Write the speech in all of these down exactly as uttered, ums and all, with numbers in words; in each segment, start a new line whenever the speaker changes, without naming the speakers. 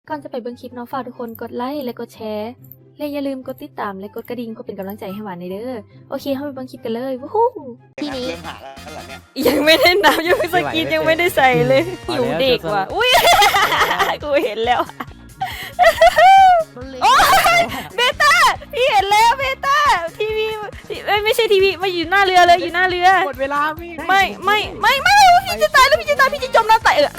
ก่อนจะไปเบิ่งคลิปเนาะฝากทุกคนกดไลค์และกดแชร์และอย่าลืมกดติดตามและกดกระดิ่งเพื่อเป็นกำลังใจให้หวานในเด้อโอเคเข้าไปเบิ่งคลิปกันเลยวู้ฮู้
ทีนี้
เริ่มหาแล้วเหรอเนี่ย
ยังไม่ได้นับยังไม่สกินยังไม่ได้ใส่เลยหิวเด็กว่ะอุ้ย กูเห็นแล้วโอ้ยเบต้าพี่เห็นแล้วเบต้าทีวีเอ้ยไม่ใช่ทีวีมาอยู่หน้าเรือเลยอยู่หน้าเรือ
หมดเวลาพี่
ไม่ไม่ไม่ไม่พี่จะตายแล้วพี่จะตายพี่จะจมน้ำตายเออ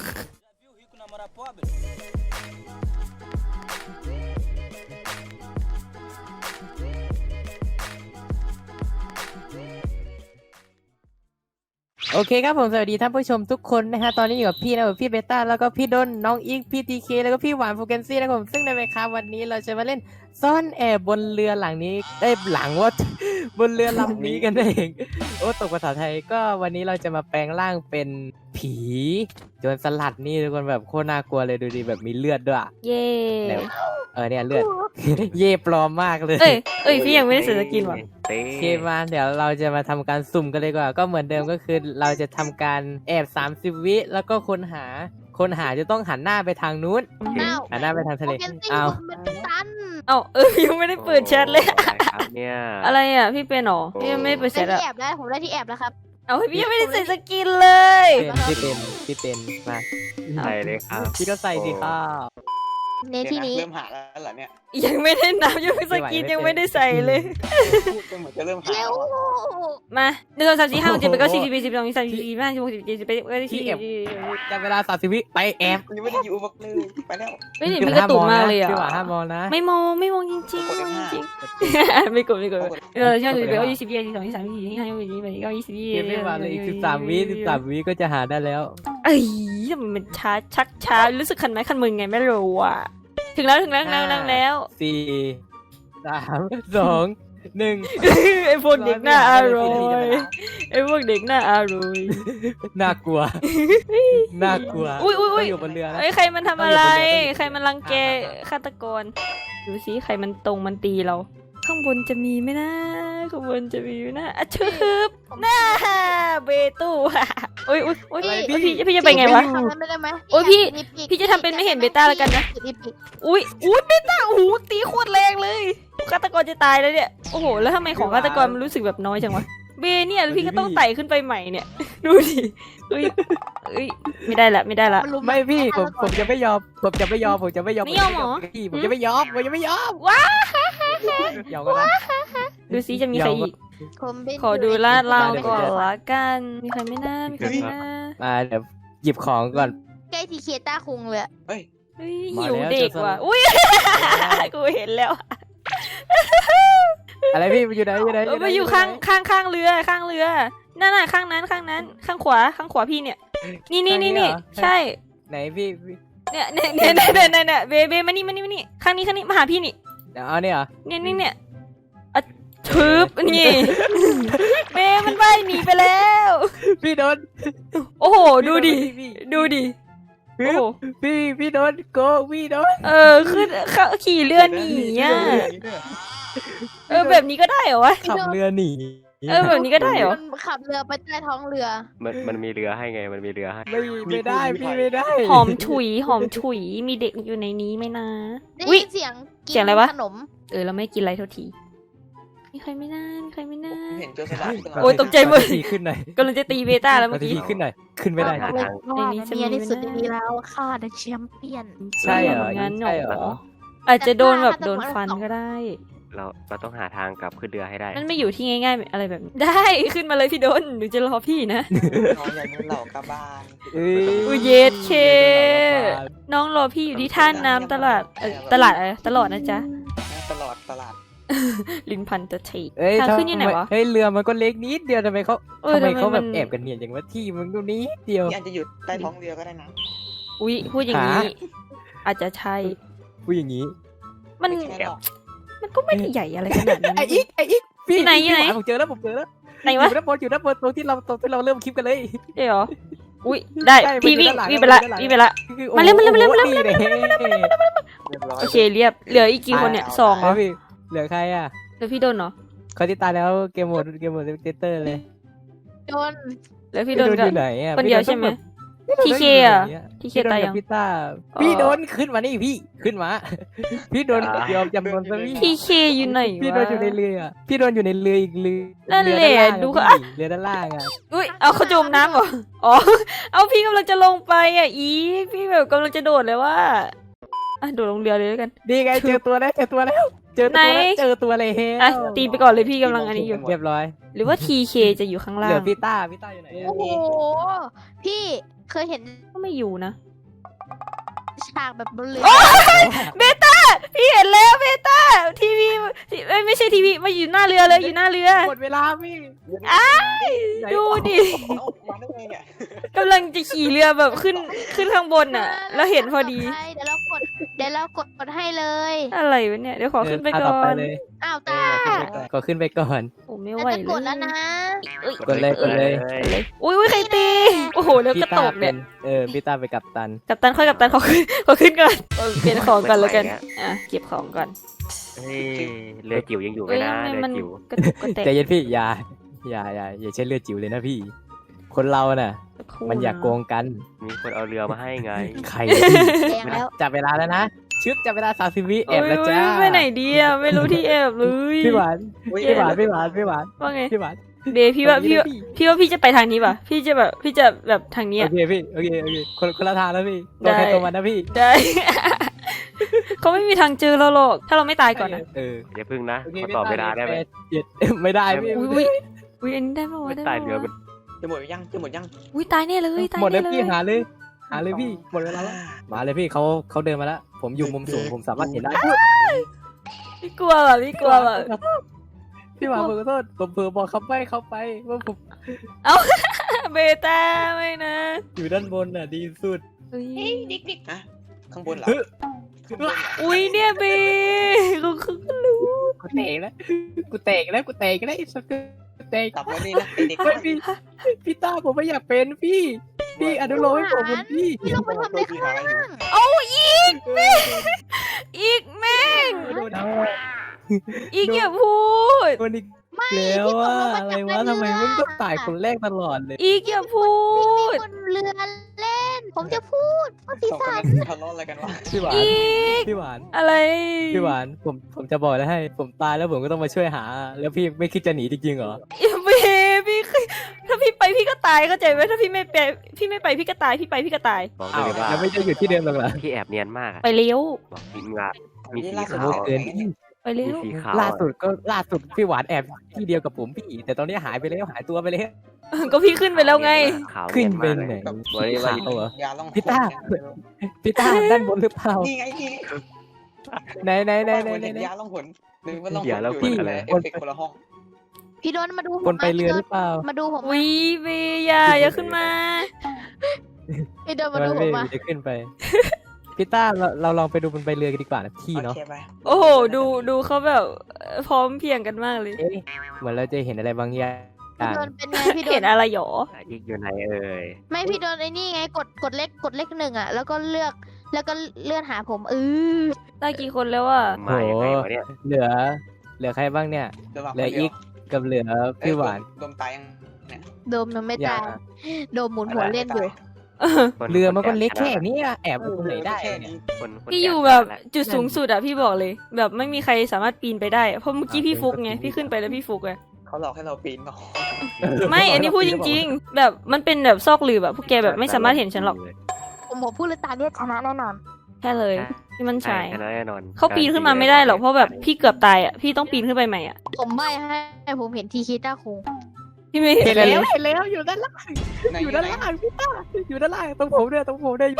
โอเคครับผมสวัสดีท่านผู้ชมทุกคนนะฮะตอนนี้อยู่กับพี่นะพี่เบต้าแล้วก็พี่ดนน้องอีกพี่ทีเคแล้วก็พี่หวานฟูเกนซี่นะครับผมซึ่งในเวลาวันนี้เราจะมาเล่นซ่อนแอบบนเรือหลังนี้ได้หลังว่า บนเรือลำนี้กันเองโอ้ตกภาษาไทยก็วันนี้เราจะมาแปลงร่างเป็นผีโจรสลัดนี่ทุกคนแบบโคตรน่ากลัวเลยดูดิแบบมีเลือดด้วย
เย่
เออเนี่ยเลือด เย่ปลอมมากเลย
เอ้ยเอ้ยพี่ยังไม่ได้ใส่สกินว่ะ
โอเคมาเดี๋ยวเราจะมาทำการสุ่มกันเลยดีกว่าก็เหมือนเดิมก็คือเราจะทำการแอบสามสิบวิแล้วก็คนหาคนหาจะต้องหันหน้าไปทางนู้นหันหน้าไปทางทะเลอ้าว
เอ้าเออยังไม่ได้เปิดแชทเลย
ครับเนี่ย
อะไรอ่ะพี่เป็นหรอพี่ยังไม่ได้เปิดแช
ได้
ท
ที่
อ่ะ
แอบได้ผมได้ที่แอบแล้วครับ
เอาพี่ยังไม่ได้ใส่สกินเลย
เป็นพี่เป็นพี่เป็นมา
ใช่เลยครับ
พี่ก็ใส่สิครับ
ในที่นี้
เริ่มหาแล้วเหรอเนี่ย
ยังไม่ได้นับยังไม่สกินยังไม่ได้ใส่เลย
พูดก็เหมือนจะเริ่มหา
เร็ว
แล้วอะ
มาหนึ่งสองสามสี่ห้าหกเจ็ดแปดเก้าสิบสิบเอ็ดสิบสองสิบสามสิบสี่สิบห้าสิบหกสิบเจ็ดสิบแปดสิบเก้ายี่สิบ
จับเวลาสามสิบวิไปแอบ
ยังไม่ได้อยู่บักเลยไปแล้ว
ไม่เห็นมีกระตุกมากเลยอ่ะ
พี่หวานห้ามมองนะ
ไม่มองไม่มองจริงๆ
กด
ไม่มอง
ห้า
จริงๆไม่กดไม่กดเออใช่สิบแปดยี่สิบยี่สิบสองยี่สิบสามยี่สิบสี่ยี่สิบห้ายี่สิบหกยี่สิบเจ็ดยี่สิบแปดยี่สิบเก้ายี่สิบ
เก็บไม่มาเลยอีกสิบสามวิสิบสามวิก็จะหาได้แล้ว
เอ้ยทำไมมันช้าชักช้ารู้สึกคันไม้คันมือไงไม่รู้อ่ะถึงแล้วถึงแล้วถึงแล้วถึงแล้ว
สี่สามสองหนึ่ง
ไอพวกเด็กหน้าอร่อยไอพวกเด็กหน้าอร่อย
น่ากลัวน่ากลัว
อุ้ยอุ้ยอุ้ย
อยู่บนเรือนะ
ไอใครมันทำอะไร
ต้องอยู่บนเรือ
ใครมันรังแกฆาตกรดูสิใครมันตรงมันตีเรา ข้างบนจะมีไหมนะข้างบนจะมีไหมนะอ่ะชึบหน้าเบตู้โอ้ยอุ้ยอุ้ยพี่พี่พี่จะไปไงวะ
ทำนั้นไม่ได้ไหม
โอ้ยพี่
รีบอีก
พี่จะทำเป็นไม่เห็นเบต้าแล้วกันนะ
รีบอีก
อุ้ยอุ้ยเบต้าโอ้โหตีโคตรแรงเลยฆาตกรจะตายแล้วเนี่ยโอ้โหแล้วทำไมของฆาตกรมันรู้สึกแบบน้อยจังวะเบเนี่ยพี่ก็ต้องไต่ขึ้นไปใหม่เนี่ยดูดิเอ้ยเอ้ยไม่ได้ละไม่ได้ละ
นลุ
ไม่พี่ผมผมจะไม่ยอมผมจะไม่ยอมผมจะไม่ยอม
ไม่ยอมเหรอ
พี่ผมจะไม่ยอมผมจะไม่ยอม
ว้า
ยอมกันนะ
ดูสิจะมีใครอีก
ผมเป็น
ขอดูลาดเราก่อนละกันมีใครไม่น่ามีใครไม่น่า
มาเดี๋ยวหยิบของก่อน
ใกล้ทีเคต้าคุงเลยอะ
เฮ้ย
เฮ้ย
มา
หิว
แล้ว
เด็ก
จะสลับ
ว่ะอุ้ยกูเห็นแล้ว
อะไรพี่มันอยู่ไหนอยู่ไหน
เออมาอยู่ข้างข้างข้างเรือข้างเรือนั่นน่ะข้างนั้นข้างนั้น ข้างขวาข้างขวาพี่เนี่ยนี่นี่นี่นี่ใช่
ไหนพี่พี่
เนี่ยเนี่ยเนี่ยเนี่ยเนี่ยเนี่ยเบเบมานี่มานี่มานี่ข้างนี้ข้างนี้มาหาพี่นี่
เดี๋ยวเอาเนี่ยเหรอ
เนี่ยเนี่ยเนี่ยอ่ะทึบนี่เบมันว่ายหนีไปแล้ว
พี่โดน
โอ้โหดูดิ
พี่
ดูดิโอ้โห
พี่พี่โดนโกพี่โดน
เออขึ้นเขาขี่เรือหนีอ่ะเออแบบนี้ก็ได้เหรอวะ
ขับเรือหนี
เออแบบนี้ก็ได้เหรอ
มันขับเรือไปใต้ท้องเรือ
มันมันมีเรือให้ไงมันมีเรือให้
ไม่ไม่ได้พี่ไม่ได้
หอมฉุยหอมฉุยมีเด็กอยู่ในนี้ไหมนะ
ได้
อุ๊ย
ยินเสียงกิน
เสียงอะไรวะ
ขนม
เออเราไม่กินอะไรเท่าทีมีใครไม่น่ามีใครไม่น่า
เห็นโจรสลัด
โอ้ยตกใจหมด
ทีขึ้นหน่อย
กำลังจะตีเบต้าแล้ว
มา
เมื่อ
ที
กี้
ขึ้นหน่อยขึ้นไม่ได้
ว่า
ใน
ใน
นี้
นี้
จะมี
เมียที่สุด
ไหม
ใน
นะ
นี้แล้วข้าได้แชมเปี้ยน
ใช่เหรอ
งั้นเหร
ใช่เหรอ
ออาจจะโดนแบบ
ฆาตกร
โดนฟันก็ได้
เราเราต้องหาทางกลับขึ้นเรือให้ได้
มันไม่อยู่ที่ง่ายๆอะไรแบบนี้ได้ขึ้นมาเลยพี่โดนหนูจะรอพี่นะ
น้องอย่างนี้เหล่ากระบาล
เอ้ย
อุ้ยเยสเค น้องรอพี่อยู่ที่ท่าน้ำตลาดเอ่อตลาดอะไรตลอดนะจ๊ะ
ตลอดตลาด
ลินพันตะเท
เอ้ย
ทาง
ทำ
ขึ้นยังไงวะ
เฮ้ยเรือมันก็เล็กนิดเดียวทำไมเขา
เออ
ทำไม
ทำไม
เขาแบบ
มัน
แอบกันเนียนอย่างว่าที่มันตรงนี้เดียว
ที่อาจจะอยู่ใต้ท้องเรือก็ได้นะ
อุ้ยพูดอย่างนี้
หา
อาจจะใช่
พูดอย่างนี้
มัน
ไม่ใช่หรอก
มันก็ไม่ได้ใหญ่อะไรขนาดนั้น
ไอ้อีกไอ้อีกพี่
ที่ไหนที่ไหน
พี่วาผมเจอแล้วผมเจอแล้ว
ไหน
อ
วะ
ยู่ด้านบนอยู่ด้านบนตรงที่เราตรงที่เราเริ่มคลิปกันเลย
เดี๋ยวอุ้ยได้
ใช่
พี่
มันอยู่
วิ่ง
ด้านหลัง
วิ่งไปละ
มันอยู่ด้านหลัง
วิ่งไปละ
คือ
มาเร็วมาเร็วมาเร็ว
โอ้โห
มาเร็ว
นี่เลย
เรียบร้อย
โอเคเรียบเหลืออีกกี่คนเนี่ยสองเหรอ
เอาพี่เหลือใครอ่ะ
เหลือพี่โดนเหรอ
คนที่ตายแล้วเกมโหมดเกมโหมดเตเตอร์เลย
โดน
เหลือพี่โดน
พี่
กับ
อยู่ไหนอ่ะ
คนเดียวใช่ไหม
พ
ทีเคอะทีเค
พี่โดน
ตาย
กั
ยั
บ
ง
พี่ต้า
อ๋อ
พี่โดนขึ้นมานี่พี่ขึ้นมา พี่โดนยอมจำนนซะพี่
ทีเคอยู่ไหน
พี่โด
วะ
นอยู่ในเรือพี่โดนอยู่ในเรืออีกเรือ
นั่นแหละ
เรือด้านล่าง
ดู
อะ
เขา
พี่เรือด้านล่างอ่ะ
อุ้ยเอาเขาจมน้ำเหรออ๋อเอาพี่กำลังจะลงไปอ่ะอีพี่แบบกำลังจะโดดเลยว่าอ่ะโดดลงเรือเลยแล้วกัน
ดีไงเจอตัวแล้วเจอตัวแล้วเจอตัว
ไหน
แล้วเจอตัวเลยเฮ้
อ่ะตีไปก่อนเลยพี่กำลังอันนี้อยู่
เรียบร้อย
หรือว่าทีเคจะอยู่ข้างล่า
เหลือง พี่ต้าพี่ต้าอยู่ไหนอะ
โอ้โห พี่เคยเห็น
ก็ไม่อยู่นะ
ฉากแบบบนเรือ
เบต้าพี่เห็นแล้วเบต้าทีวีทีเอ้ยไม่ใช่ทีวีมาอยู่หน้าเรือเลยอยู่หน้าเรือ
หมดเวลาพี่
ดูดิ
เอามาได้ไงเนี่ย
กำลังจะขี่เรือแบบขึ้นขึ้นข้างบนอ่ะ แล้วเห็นพอดี
ใช่เดี๋ยวเรากดเดี๋ยวเรากดกดให้เลย
อะไรวะเนี่ยเดี๋ยวขอขึ้นไป
เดิ
ก่อ
ต่ไป
น
เลย
อ้าว
เอ
ตา
อเอาขึ้นไปก่อน
ก็ขึ้นไปก่อน
ผมไม่
เรา
ไหว
จะกดแล้วนะ
กดเลยกดเลย
อุ้ยอุ้ยใครตีโอ้โหแล้ว
พี่
กระ
ต้า
ตก
เป็
เนี่ย
นเออพี่ต้าไปนกับตัน
กัปตันค่อยกัปตันขอขึ้นขอขึ้นก่อนเออเปลี่ยนของก่อนแล้วกันอ่ะเก็บของก่อน
เฮ้ยเรือจิ๋วยังอยู่ไหม
เอ้ย
นะ
ทำไม
เรือ
มัน
จิ๋ว
กระตุกกระแตก
ใจเย็นพี่อย่าอย่าอย่าอย่าใช้เลือดจิ๋วเลยนะพี่ คนเราน่ะ
สักครู่
มันอยากโกงกัน
มีคนเอาเรือมาให้ไง
ใครเนี่ยพี่
แดงแล้ว
จับเวลาแล้วนะชึบจับเวลาสามสิบวิแอ
โอ้
บ
ย
แล้วจ้า
ไปไหนดีอ่ะไม่รู้ที่แอบเลย
พี่หวาน
อุ๊ย
พี่หวานพี่หวานพี่หวาน
ว่าไง
พี่หวาน
เบย์พี่ว่าพี่ว่าพี่ว่าพี่จะไปทางนี้ป่ะพี่จะแบบพี่จะแบบทางนี้
โอ
อ่ะ
เคพี่โอเคโอเคคนคนละทางแล้วพี่
ได้
ตัวใครตัวมันนะพี่
ได้ เขาไม่มีทางเจอเราหรอกถ้าเราไม่ตายก่อนนะ
เออ
อย่าพึ่งนะ
โอเค
ขอตอบเวลาได้ไหม
แปเจ็ดไม่ได้พี่
อุ้ยอุ้ยอุ้ยอันนี้ได้ปะวะ
ไม่
ได้
ตาย
ปะ
เรือ
วะ
มัน
จะหมดยังจะหมดยัง
อุ้ยตายแน่เลยตาย
หมดเล
แน่
ย
เล
พี่
ย
หาเลย หาเลยพี่หมดเวลาแล้วมาเลยพี่เขาเขาเดินมาแล้ว ผมอยู่มุมสูงผมสามารถเห็นได้
พี่กลัวว่ะพี่กลัวว่ะ
พี่หวานผมขอโทษผมเผลอบอกเขาไปเขาไปว่าผม
เบต้าไม่นะ
อยู่ด้านบนน่ะดีสุด
อุ้ย
ฮะข้างบนเหรอ
เฮ้ย
ข้างบนเหรอ
อุ้ยเนี่ยเบกูคือก็รู้
กูเตะแล้วกูเตะแล้วกูเตะแล้วไอ้สักกูเตะ
กลับมานี่นะไอเด็ก
เฮ้ยพี่พี่ต้าผมไม่อยากเป็นพี่พี่อนุโลมให้ผมเป็นพี่
พี่ลงไปทำอะไรข้างล่าง
เอาอีกอีกแม่ง
โดนเอา
อีกอย่าพูด
โดนอีกแล้วอะอะไรวะทำไมมึงต้องตายคนแรกตลอดเลย
อีกอย่าพูด
บนเรือเล่น ผมจะพูดว่าปี
สองค
ศาน จ
นั้นทะเลาะอะไรกันวะ
พี่หวาน
อีก
พี่หวาน
อะไร
พี่หวานผมผมจะบอกแล้วให้ ผมตายแล้วผมก็ต้องมาช่วยหา แล้วพี่ไม่คิดจะหนีจริงๆเหรอ
เบพี่คือถ้าพี่ไปพี่ก็ตายเข้าใจไหมถ้าพี่ไม่ไปพี่ไม่ไปพี่ก็ตายพี่ไปพี่ก็ตาย
บอก
อ้าว
เลยว่า
แล้วไม่จะอยู่ที่เดิมหรอกเหรอ
พี่แอบเนียนมากอะ
ไปเลี้ยว
บอกมีงามีสี
ล่าสุด
ขาว
เกิน
ไปเลี้
มี
ยว
สีขาว
ล่าสุดก็ล่าสุดพี่หวานแอบที่เดียวกับผมพี่ แต่ตอนนี้หายไปแล้วหายตัวไปแล้ว
ก็พี่ขึ้นไปแล้วไง
ขาว
ขึ้น
เย
ไป
มาก
ไหน
เลย
แบบ
บอกเลยว่า
ขาวเหรอ
ยาล่อง
พี่ต้า พี่ต้าด้านบนหรือเปล่า
นี่ไงนี่
ไหนไหนไหนไหน
บ้า
ไหน
เห็น
ไหน
ยาล่องหนหรือว่าล่องหน
เดี๋ยวเรา
อยู่
คุย
ใน
อะไร
เอฟเฟกต์คนละห้อง
พี่โดนมาดูผม
คนไปเรือหรือเปล่า
มาดูผม
วิเบอย่าอย่าขึ้นมา
พี่โดนมา
มัน
ดูผ
ไม่
มมา
จะขึ้นไป พี่ต้าเราเราลองไปดูบนใบเรือกันดีกว่านะพี่
โอ
เนาะ
เคไป
โอ้โหดูดูเขาแบบพร้อมเพรียงกันมากเลย
เอ๊ะเหมือนเราจะเห็นอะไรบางอย่าง
พี่โดนเป็นไงพี่โด
เห็
น
นอะไรหรอ
อีกอยู่ไหนเอ่ย
ไม่พี่โดนไอ้นี่ไงกดกดเลขกดเลขหนึ่งอ่ะ แล้วก็เลือกแล้วก็เลื่อนหาผมเออ
ได้กี่คนแล้วอ่ะ
มายังไงวะเนี่ย
เหลือ เหลือใครบ้างเนี่ย
เดี๋ยววาง
เหลือ
คนดียว
อีกกับเหลือพี่หวาน
ดมตายยังเนี่ย
โดมยังไม่
อย่า
ตายโดมหมุนหัวเล่นอยู่
คน
เรือมันก็เล็ก
ค
แค่นี้อะแอบไปตรงไหนได้
แค่
เนี่ย
นี้
คนคน
พี่อยู่
ก่
แบบ
แหละ
จุดสูงสุดอะพี่บอกเลย แบบไม่มีใครสามารถปีนไปได้อะเพราะเมื่อกี้พี่ฟุกไงพี่ขึ้นไปแล้วพี่ฟุกไง
เขาหลอกให้เราปีนเปล่า
ไม่อันนี้พูดจริง ๆ แบบมันเป็นแบบซอกหลืบแบบพวกแกแบบไม่สามารถเห็นฉันหรอก
ผมบอกพูดเลยตาเนี่ยชนะแน่นอน
แค่เลยที่มัน
ใช่
ใช่
แน่นอน
เขาปีนขึ้นมาไม่ได้หรอกเพราะแบบพี่เกือบตายอะพี่ต้องปีนขึ้นไปใหม่อะ
ผมใบให้ผมเห็นทีคิต้าคุง
พี่ไม่
เห็
เห็
น
น
แล้
เล
วย เห็นแล้วอยู่ด้านล่าง
ไหน
อยู่ด้าน
ไหน
ล่างพี่ต้าอยู่ด้านล่างตรงผมด้วยตรงผมด้วย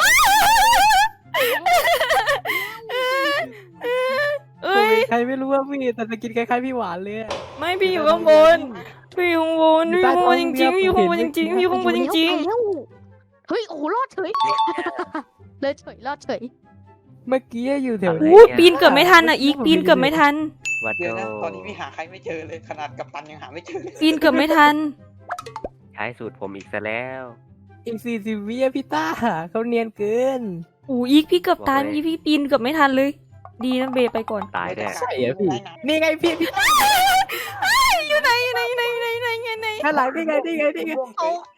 เอ้ย
ใครไม่รู้ว่าพี่แต่สกินคล้ายๆพี่หวานเลยอะ
ไม่พี่อยู่ข้างบนพี่อยู่ข้างบนพี่อยู่ข้างบนจริงๆพี่อยู่ข้างบนจริงๆพี่อยู่ข้างบนจริง
ไปแล้วเฮ้ยโอ้โหรอดเฉยเลยเฉยรอดเฉย
เมื่อกี้อยู่แถ
ๆ
ว
โอ้ปีนเกือบไม่ทันอะอีกปีนเกือบไม่ทัน
วัด
เดี๋
โด
ยวนะตอนนี้พี่หาใครไม่เจอเลยขนาดกัปตันยังหาไม่เจอเลย
ปีนเกือบไม่ทัน
ใช้สูตรผมอีกซะแล้ว
อีกสี่สิบวิอะพี่ต้าเขาเนียนเกิน
โอ้อีกพี่เกือบตายอีกพี่ปีนเกือบไม่ทันเลย ดีนะเบย์ไปก่อน
ตายแน่
ใช่เหรอพี่ นี่ไงพี่พี่ต้า
อยู่ไหนอยู่ไหนอยู่ไหนอยู่ไหนอยู่ไหนอยู่ไหน
ข้างหลังนี่ไงนี่ไงนี่ไง
โอ้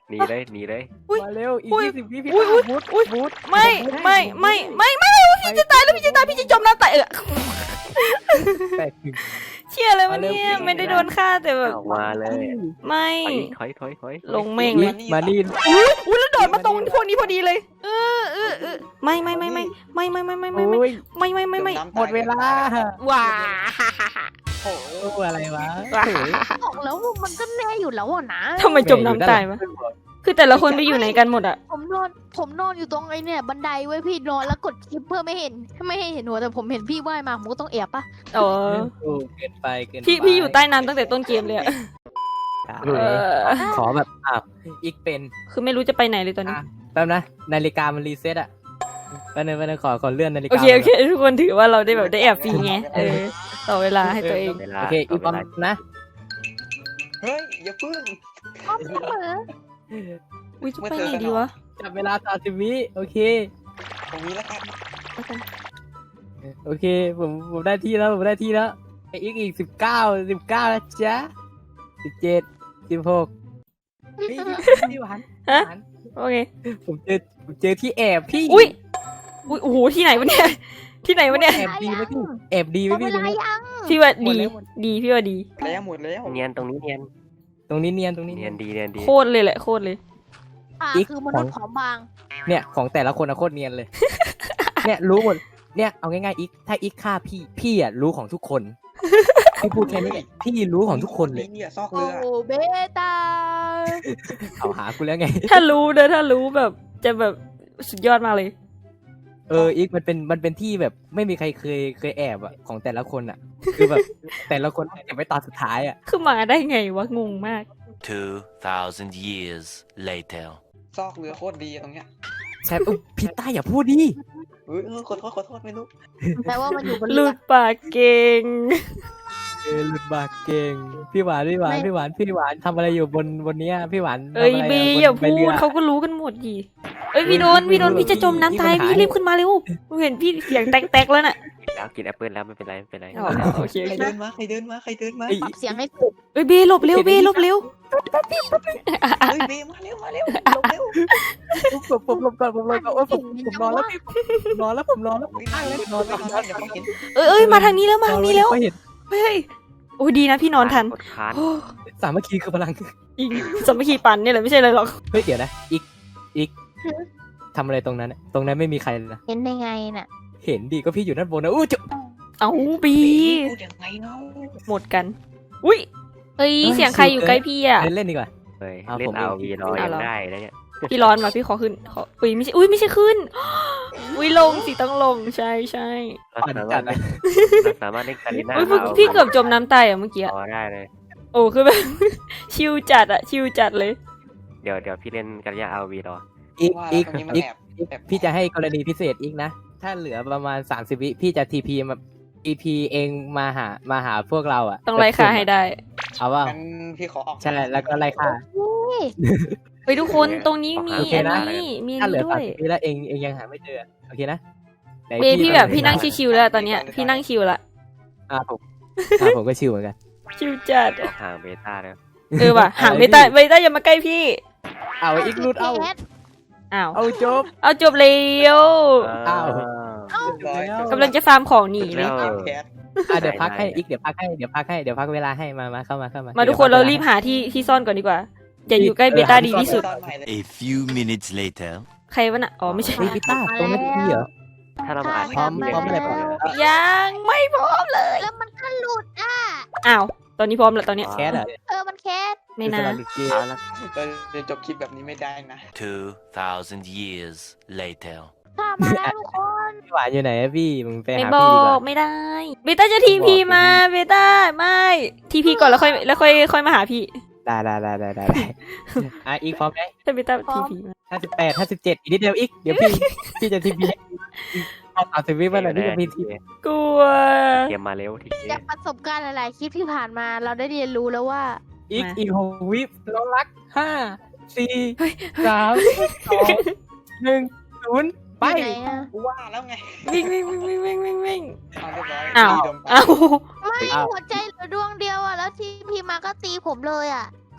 หนีเลยหนีเลย
อุ๊ย
มาเร็วอีก
อุ๊ย
ยี่สิบวิพี่
อุ๊ย
ตาบูท
อุ๊ย
บูท
ไม่ไม่ไม่ไม่ไม่พี่จะตายแล้วพี่จะตายพี่จะจมน้ำตายเออ
แปดถึง
เชี่ยอะไรวะเนี่ยไม่ได้โดนฆ่าแต่แบบ
ออกมาเลย
ไม่
ถอยถอยถอยถอย
ลงแม่งเลย
มาลีน
อุ้ยแล้วโดดมาตรงพวกนี้พอดีเลยเออเออเออไม่ไม่ไม่ไม่ไม่ไม่ไม่ไม่ไม่ไม่
โอ้ย
ไม่ไม่ไม่ไม่
จน้ำ
หมดเวลา
ว้า
โอ้โห
โอ้อะไรวะ
ว้า
โอ้ย
บอกแล้วว่ามันก็แน่อยู่แล้วอะนะ
ทำไมจมน้ำตายวะคือแต่ละคนไปอยู่ไหนกันหมดอะ
ผมนอนผมนอนอยู่ตรงไอ้เนี่ยบันไดไว้พี่นอนแล้วกดคลิปเพื่อไม่เห็นไม่ให้เห็นหัวแต่ผมเห็นพี่ว่ายมาผมก็ต้องแอบปะ
อ๋อ
โอ้เกินไปเกินไป
พี่พี่อยู่ใต้น้ำตั้งแต่ต้นเกมเลยอะ
เอ
เอ
อ
อ
ขอแบบอ่ะอีกเป็น
คือไม่รู้จะไปไหนเลยตอนนี้
อ่ะแป๊บนะนาฬิกามันรีเซ็ตอ่ะแป๊บนึงแป๊บนึงขอขอเลื่อนนาฬิกา
โอเคโอเคทุกคนถือว่าเราได้แบบได้แอบฟรีไงเออต่อเวลาให้ตัวเอง
เวลา
โอเคอีก
เว
ประ
ลา
มาณนะ
เฮ้ยอย่าพึ่ง
พร้อมเสมอ
อุ้ยจะไปไหนดีวะ
จับเวลาสามสิบวิโอเค
ตรงนี้แล้วกัน
โอเคผมผมได้ที่แล้วผมได้ที่แล้วไออีกอีกสิบเก้าสิบเก้านะจ๊ะสิบเจ็ดสิบหกพี่หวาน
ฮะ
หวาน
โอเค
ผมเจอผมเจอที่แอบพี่
อุ้ยอุ้ยโอ้โหที่ไหนวะเนี่ยที่ไหนวะเนี่ย
แอบดีไหมพี่แอบดีไห
ห
ม
มดเว
พี่
ลายัง
พี่ว่า
หม
ดี
ดแล้วหมด
ดีพี่ว่าดี
แล้วหมดแล้ว
เนียนตรงนี้เนียน
ตรงนี้เนียนตรงนี้
เนี
เนี
ย
ย
น
น
ดีเนียนดี
โคตรเลยแหละโคตรเลย
อ่า
อีก
คือมนุษย์ผอมบาง
เนี่ยของแต่ละคนอะโคตรเนียนเลย เนี่ยรู้หมดเนี่ยเอาง่ายๆอีกถ้าอีกฆ่าพี่พี่อะรู้ของทุกคนพี่พูดแค่นี้พี่รู้ของทุกคนเลย
เนี่ยซอก
โอ้
เรือ
เบต้า
เอาหากูแล้วไง
ถ้ารู้เด้อถ้ารู้แบบจะแบบสุดยอดมากเลย
เอออีกมันเป็นมันเป็นที่แบบไม่มีใครเคยเคยแอบอะของแต่ละคนอะคือแบบแต่ละคนเก็บไว้ตอนสุดท้ายอะ
คือมาได้ไงวะงงมาก
Two thousand years later.
ซอกเรือโคตรดีอะตรงเนี้ย
ใช่อุ๊ยพี่ต้าอย่าพูดดิ
เฮ้ยเออขอโทษขอโทษไม่รู้
แปลว่ามันอยู่บน
ห
เรื
ลุ
อ
ดปากเก่ง
เออหลุดบากเก่งพี่หวานพี่หวานพี่หวานพี่หวานทำอะไรอยู่บนบนเนี้ยพี่หวาน
เอ้ย
ทำะไร
บี
บน
อย่า
ใบ
พู
รือ
ดเขาก็รู้กันหมดดิเอ้ยพี่โดนพี่โดนพี่จะจมน้ำตายพี่รีบขึ้นมาเร็วกูเห็นพี่เสียงแตกๆแล้วน่ะ
แล้วกินแอปเปิลแล้วไม่เป็นไรไม่เป็นไร
อ๋อโอเค
ใคร
โอเค
เดินมาใครเดินมาใครเดินมา
เอ้ย
ปรับเสียงให้สุด
เอ้ยเบหลบเร็วเบหลบเร็ว
เฮ้ยเบมาเร็วมาเร็วลงเร็ว
ผมผมหลบก่อนผมหลบก่อนโอ้ยผมผมนอนแล้วพี่ผมนอนแล้วผมนอนแล้ว
ไม่นอนเลยนอนเลยนอนเดี๋ยวเขาเห็น
เอ้ยเอ้ยมาทางนี้แล้วมาทางนี้แล้ว
ไม่เห็น
เฮ้ยโอ้ยดีนะพี่นอนทัน
กดค้าน
โอ้
สามัคคีคือพลัง
อิงสามัคคีปันเนี่ยแหละไม่ใช่เลยหรอก
เฮ้ยเดี๋ยวนะอีกอีกทำอะไรตรงนั้นอะตรงนั้นไม่มีใครเลยนะ
เห็นได้ไงน่ะ
เห็นดิก็พี่อยู่ด้านบนนะอู้จะ
เอาบี
พูดยังไงเนาะ
หมดกันอุ้ยเอ้ยเสียงใครอยู่ใกล้พี่อ่ะ
เล่นเล่นดีกว่า
เลย
เอา
เล่
ผ
น
ม
เอา
เอง
วีรอ
เอา
ยัง
เหรอ
ได้แล้วเนี่ย
พี่ร้อนมาพี่ขอขึ้นขออุ้ยไม่ใช่อุ้ยไม่ใช่ขึ้น อุ้ยลงสิต้องลงใช่ใช่
เราสามารถเล่นเราสามารถเล่นคาริน่า
อุ้ยพี่พี่เกือบจมน้ำตายอ่ะเมื่อกี้อะ
พอได้เลย
โอ้คือแบบ ชิวจัดอ่ะชิวจัดเลย
เดี๋ยวเดี๋ยวพี่เล่นคาริน่าเอาวีรอ
อีก
ว่า
อี
แล้ว
ก
ตรงนี้มัน
อีก
แอบ
อีก
แอบ
พี่จะให้กรณีพิเศษอีกนะ ถ้าเหลือประมาณสามสิบวิพี่จะทีพีมาทีพีเองมาหามาหาพวกเราอ่ะ
ต้องไล่ค่าให้ได้
เอาว่า
งั้นพี่ขอออก
ใช่แล้วก็ไล่ค่า
เฮ้ยทุกคนตรงนี้มี
โอเค
อัน
นะ
นี้มีอั
ถ้าน เหลื
นี้
อ
ด้
สาม
วย
สิบวิแล้วเองเองยังหาไม่เจอโอเคนะไหน
เบย์พี่แบบพี่นั่ง
ชิ
ชิวๆแล้วตอนเนี้ยพี่นั่งชิวละ
อ่าผมอ่าผมก็ชิวเหมือนกัน
ชิวจัด
ออกห่างเบต้าแล้ว
เออว่ะห่างเบต้าเบต้าอย่ามาใกล้พี่
เอาอีกรูดเอา
อ้าว
เอาจบ
เอาจบเร็ว
อ้าว
เรียบร้อย
กำลังจะฟาร์มของหนีเลย
ตามแคส
อ่ะเดี๋ยวพักให้อีกเดี๋ยวพักให้เดี๋ยวพักให้เดี๋ยวพักเวลาให้มามาเข้ามาเข้ามา
มาทุกคนเรารีบหาที่ที่ซ่อนก่อนดีกว่า อย่าอยู่ใกล้เบต้าดีที่สุด
ตอนใหม่เลย
A few minutes later.
ใครวะน่ะอ๋อไม่ใช่
เฮ้ยพี่ต้าตรงนั้นพี่เหรอ
ถ้าเราอ่าน
พร้อมพร้อมอะไรพร้อม
ยังไม่พร้อมเลย
แล้วมันก็หลุดอ่ะ
อ้าวตอนนี้พร้อมแล้วตอนเนี้ย
แคสเหรอ
เออมันแคส
ไม่น่า
สลับหรือเกม
เอาละ
เราจะจบคลิปแบบนี้ไม่ได้นะ
Two thousand years later.
ข้ามาแล้วทุกคน
พี่หวานอยู่ไหนอะพี่มึงไป
ไม่
หา
บอ
พี่ดีกว่าก
ไม่ได้เบต้าจะทีพีมาเบต้าไม่ทีพีก่อนแล้วค่อยแล้วค่อยค่อยมาหาพี่
ได้ได้ได้ได้ได้ได้อ่ะอีกพร้อมไหม
ถ้าเบต้าทีพีมา
ห้าสิบแปดห้าสิบเจ็ดอีกนิดเดียวอีกเดี๋ยวพี่พี่จะทีพีเอาสามสิบวิมาหน่อยพี่จะพีที
กลัว
เกมมาเร็วที
จากประสบการณ์หลายๆคลิปที่ผ่านมาเราได้เรียนรู้แล้วว่า
อีกอีกหกวิเรารักห้าสี่สามสองหนึ่งศูนย์ไป
อยู่ไหนอะ
ว่าแล้วไง
วิ่งวิ่งวิ่งวิ่งวิ่งวิ่งวิ่ง
เอาเรียบร้อย
อ้าว
พี่โดนป
อ้าว
ไม่หัวใจเหลือดวงเดียวอ่ะแล้วทีพีมาก็ตีผมเลยอ่ะ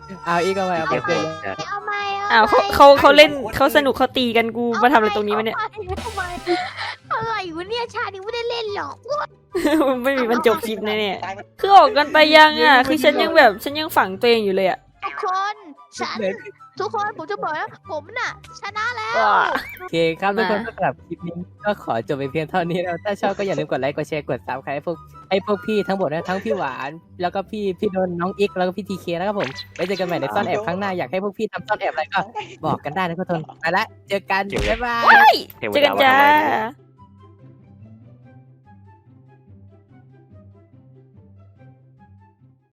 เอาอีกเอาไปเอาไป
เดี๋ยว
เก
โห
ย
ดจัด
เอาไหม
อ้าวเขาเขาเขาเล่นเขาสนุกเขาตีกันกูมาทำอะไรตรงนี้วะเนี่ย
ทำไมอะไรวะเนี่ยชาตินี้ไม่ได้เล่นหรอก
ไม่มีมันจบคลิปแน่ๆคือออกกันไปยังอ่ะ คือฉันยังแบบฉันยังฝังตัวเองอยู่เลยอ่ะ
ทุกคนฉันทุกคนผมจะบอกนะผมน่ะ ชนะแล้ว
โอเคครับทุกคนสำหรับคลิปนี้ก็ขอจบไปเพียงเท่านี้แล้วถ้าชอบก็อย่าลืมกดไลค์กดแชร์กดซับใครให้พวกให้พวกพี่ทั้งหมดนะทั้งพี่หวานแล้วก็พี่พี่โดนน้องอีกแล้วก็พี่ทีเคนะครับผมไว้เจอกันใหม่ในซ่อนแอบครั้งหน้าอยากให้พวกพี่ทำซ่อนแอบอะไรก็บอกกันได้นะทุกคนไปละเจอกันบ๊ายบาย
เฮ้ย
เทว
เจอ
ดา
กัน
มา
จ้า
ทำอะไรเนี่ย